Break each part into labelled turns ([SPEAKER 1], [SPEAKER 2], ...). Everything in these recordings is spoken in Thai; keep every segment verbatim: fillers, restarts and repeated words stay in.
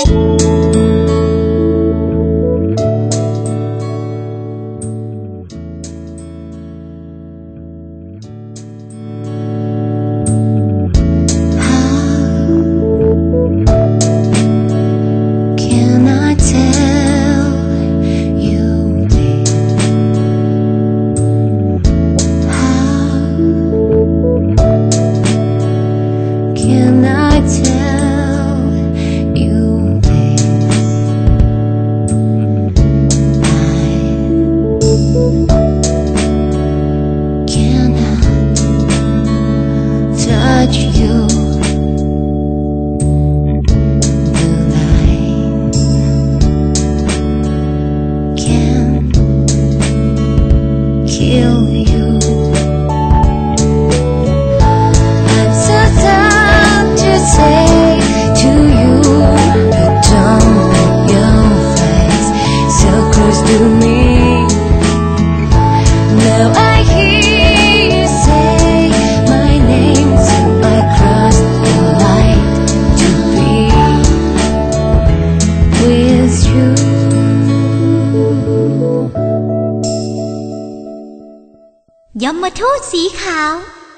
[SPEAKER 1] ยมทูตสีขาว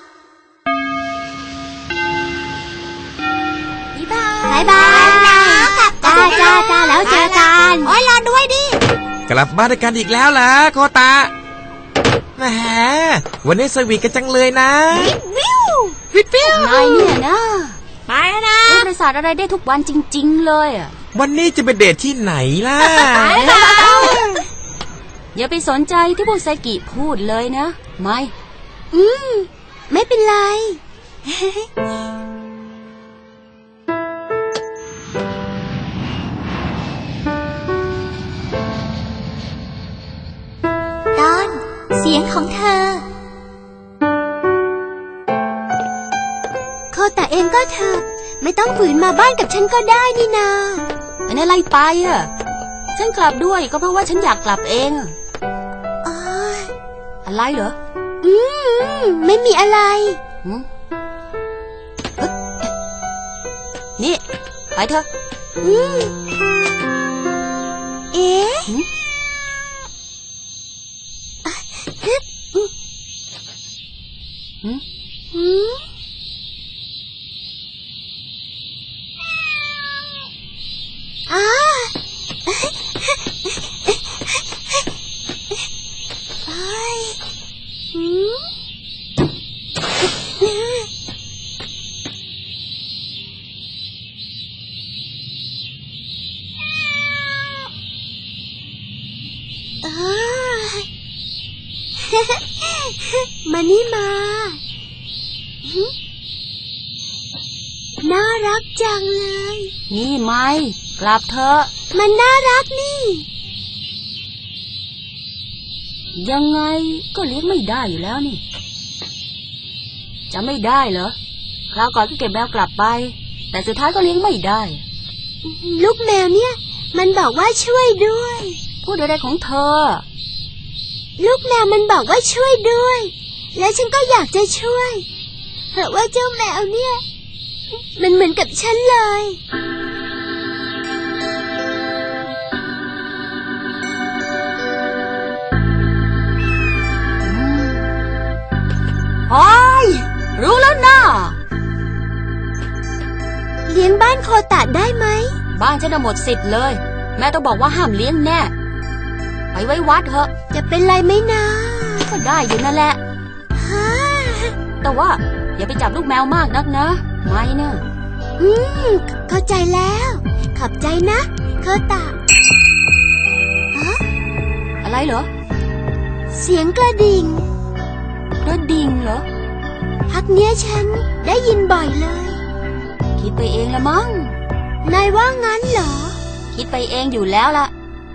[SPEAKER 1] บ๊ายบายนะจ้าจ้าจ้าแล้วเจอกันโอ้ยรอด้วยดิ
[SPEAKER 2] กลับบ้านด้วยกันอีกแล้วล่ะโคตาแหมวันนี้สวีทกันจังเลยนะ
[SPEAKER 1] วิววิววิวนายเนี่ยนะไปนะบริษัทอะไรได้ทุกวันจริงๆเลยอ่ะ
[SPEAKER 2] วันนี้จะไปเดทที่ไหนล่ะ
[SPEAKER 1] อย่าไปสนใจที่พวกไซกิพูดเลยนะไม่อืมไม่เป็นไรตอนเสียงของเธอโคตะเองก็เถอะไม่ต้องฝืนมาบ้านกับฉันก็ได้นี่นาเป็นอะไรไปอ่ะฉันกลับด้วยก็เพราะว่าฉันอยากกลับเองอะไรเหรออืมไม่มีอะไรนี่ไปเถอะอืมเอ๊ะอืมอืมอ่ามานี่มาน่ารักจังเลยนี่ไม่กลับเถอะมันน่ารักนี่ยังไงก็เลี้ยงไม่ได้อยู่แล้วนี่จะไม่ได้เหรอคราวก่อนก็เก็บแมวกลับไปแต่สุดท้ายก็เลี้ยงไม่ได้ลูกแมวเนี่ยมันบอกว่าช่วยด้วยพูดอะไรของเธอลูกแมวมันบอกว่าช่วยด้วยแล้วฉันก็อยากจะช่วยเพราะว่าเจ้าแมวเนี่ยมันเหมือนกับฉันเลยโอ้ยรู้แล้วนะเลี้ยงบ้านโคตะได้ไหมบ้านฉันหมดสิทธิ์เลยแม่ต้องบอกว่าห้ามเลี้ยงแน่ไปไว้วัดเถอะจะเป็นไรไหมนะก็ได้อยู่นั่นแหละแต่ว่าอย่าไปจับลูกแมวมากนักนะไม่นะอืมเข้าใจแล้วขอบใจนะโคตะอะอะไรเหรอเสียงกระดิ่งกระดิ่งเหรอพักเนี้ยฉันได้ยินบ่อยเลยคิดไปเองละมั้งนายว่างั้นเหรอคิดไปเองอยู่แล้วล่ะ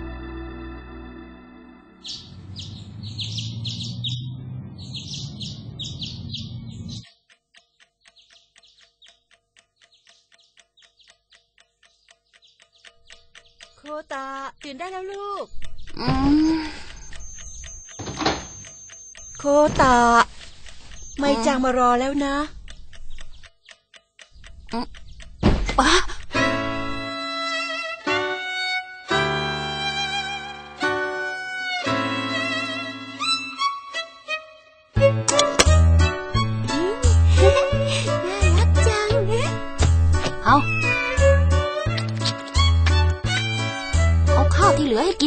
[SPEAKER 1] โคตะตื่นได้แล้วลูกโคตะไม่จังมารอแล้วนะ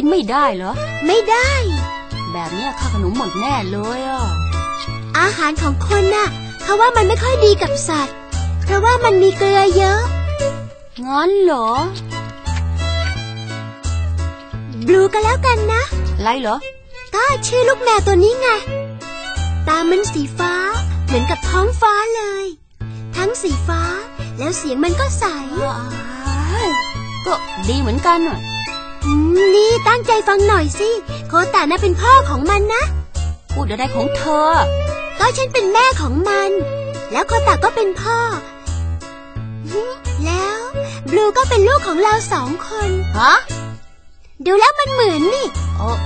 [SPEAKER 1] ไม่ได้เหรอ
[SPEAKER 3] ไม่ได้
[SPEAKER 1] แบบนี้ค่าขนมหมดแน่เลยอ่ะ
[SPEAKER 3] อาหารของคนน่ะเขาว่ามันไม่ค่อยดีกับสัตว์เพราะว่ามันมีเกลือเยอะ
[SPEAKER 1] งั้นเหรอบ
[SPEAKER 3] ลูก็แล้วกันนะ
[SPEAKER 1] อะไรเหรอ
[SPEAKER 3] ก็ชื่อลูกแมวตัวนี้ไงตามันสีฟ้าเหมือนกับท้องฟ้าเลยทั้งสีฟ้าแล้วเสียงมันก็ใส
[SPEAKER 1] ก็ดีเหมือนกันอ่ะ
[SPEAKER 3] นี่ตั้งใจฟังหน่อยสิโคตะน่ะเป็นพ่อของมันนะ
[SPEAKER 1] พูดอะไรของเธอ
[SPEAKER 3] ก็ฉันเป็นแม่ของมันแล้วโคตะก็เป็นพ่อแล้วบลูก็เป็นลูกของเราสองคน
[SPEAKER 1] ฮะ
[SPEAKER 3] ดูแล้วมันเหมือนนี่
[SPEAKER 1] โอ้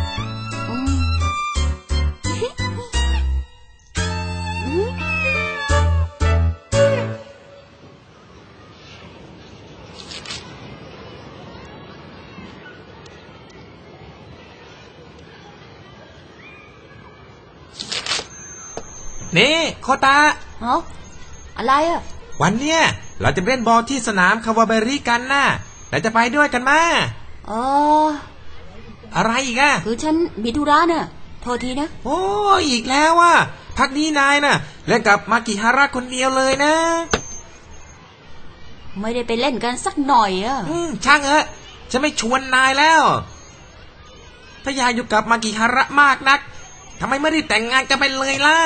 [SPEAKER 2] นี่โคตะ
[SPEAKER 1] ฮะอะไรอ่ะ
[SPEAKER 2] วันเนี้ยเราจะเล่นบอลที่สนามคาวาเบริกันน่ะเราจะไปด้วยกันมา
[SPEAKER 1] อ๋อ
[SPEAKER 2] อะไรอีกอ่ะ
[SPEAKER 1] คือฉันมีธุระน่ะโทษทีนะ
[SPEAKER 2] โอ้อีกแล้วว่ะพักนี้นายน่ะเล่นกับมากิฮาระคนเดียวเลยนะ
[SPEAKER 1] ไม่ได้ไปเล่นกันสักหน่อยอ่ะ
[SPEAKER 2] อืมช่างเถอะฉันไม่ชวนนายแล้วถ้าอยากอยู่กับมากิฮาระมากนักทำไมไม่ได้แต่งงานกันไปเลยล่ะ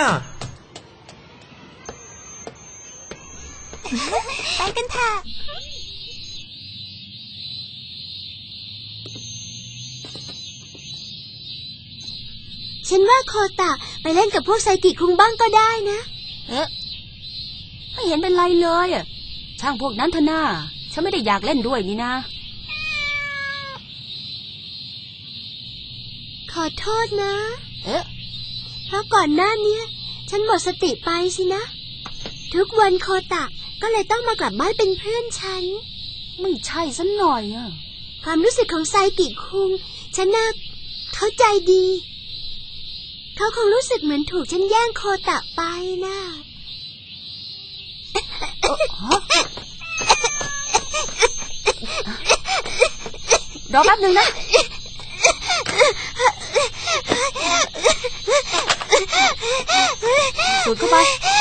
[SPEAKER 3] ไปกันเถอะฉันว่าโคตะไปเล่นกับพวกไซกิคุงบ้างก็ได้นะ
[SPEAKER 1] เอ๊ะไม่เห็นเป็นไรเลยอ่ะช่างพวกนั้นเถอะน่าฉันไม่ได้อยากเล่นด้วยนี่นะ
[SPEAKER 3] ขอโทษนะ
[SPEAKER 1] เอ๊ะ
[SPEAKER 3] เพราะก่อนหน้านี้ฉันหมดสติไปสินะทุกวันโคตะก็เลยต้องมากลับบ้านเป็นเพื่อนฉัน
[SPEAKER 1] ไม่ใช่สักหน่อยอ่ะ
[SPEAKER 3] ความรู้สึกของไซกิคุงฉันน่ะเข้าใจดีเขาคงรู้สึกเหมือนถูกฉันแย่งโคตะไปนะ
[SPEAKER 1] รอแป๊บนึงนะสูดเข้าไป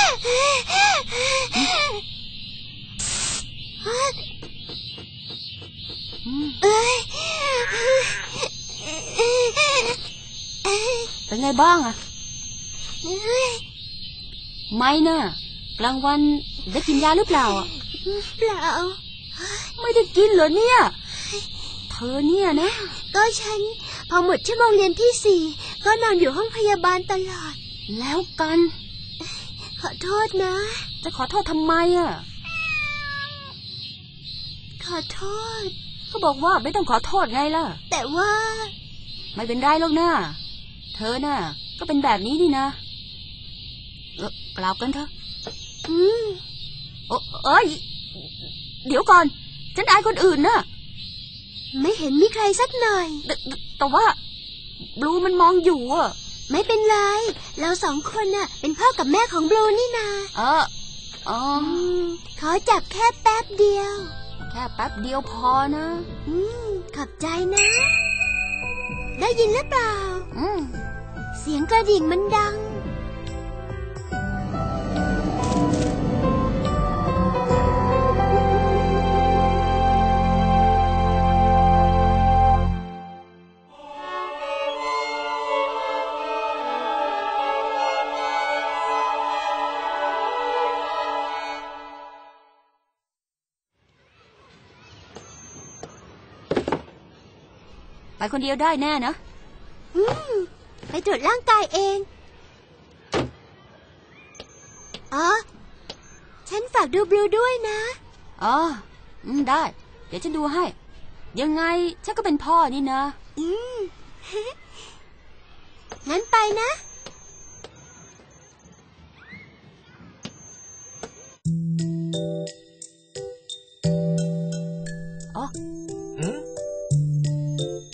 [SPEAKER 1] เป็นไงบ้างอะไม่น่ะกลางวันได้กินยาหรือเปล่าอ่ะ
[SPEAKER 3] เปล่า
[SPEAKER 1] ไม่ได้กินเหรอเนี่ยเธอเนี่ยนะ
[SPEAKER 3] ก็ฉันพอหมดชั่วโมงเรียนที่สี่ก็นอนอยู่ห้องพยาบาลตลอด
[SPEAKER 1] แล้วกัน
[SPEAKER 3] ขอโทษนะ
[SPEAKER 1] จะขอโทษทำไมอ่ะ
[SPEAKER 3] ขอโทษ
[SPEAKER 1] เขาบอกว่าไม่ต้องขอโทษไงล่ะ
[SPEAKER 3] แต่ว่า
[SPEAKER 1] ไม่เป็นไรหรอกนะเธอน่ะก็เป็นแบบนี้นี่นะเออกลับกันเถอะ
[SPEAKER 3] อืม
[SPEAKER 1] โอ้เอ้ยเดี๋ยวก่อนฉันอายคนอื่นน่ะ
[SPEAKER 3] ไม่เห็นมีใครสักหน่อย
[SPEAKER 1] แต่แต่ว่าบลูมันมองอยู่อ่ะ
[SPEAKER 3] ไม่เป็นไรเราสองคนน่ะเป็นพ่อกับแม่ของบลูนี่นา
[SPEAKER 1] เอออ๋อ
[SPEAKER 3] ขอจับแค่แป๊บเดียว
[SPEAKER 1] แค่แป๊บเดียวพอนะ
[SPEAKER 3] อืมขอบใจนะได้ยินหรือเปล่า
[SPEAKER 1] อืม
[SPEAKER 3] เสียงกระดิ่งมันดัง
[SPEAKER 1] ไปคนเดียวได้แน่นะ
[SPEAKER 3] อืมไปตรวจร่างกายเองอ๋อฉันฝากดูบลูด้วยนะ
[SPEAKER 1] อ๋ออืมได้เดี๋ยวฉันดูให้ยังไงฉันก็เป็นพ่อนี่นะ
[SPEAKER 3] อืมงั้นไปนะ
[SPEAKER 1] อ๋อ
[SPEAKER 2] อืม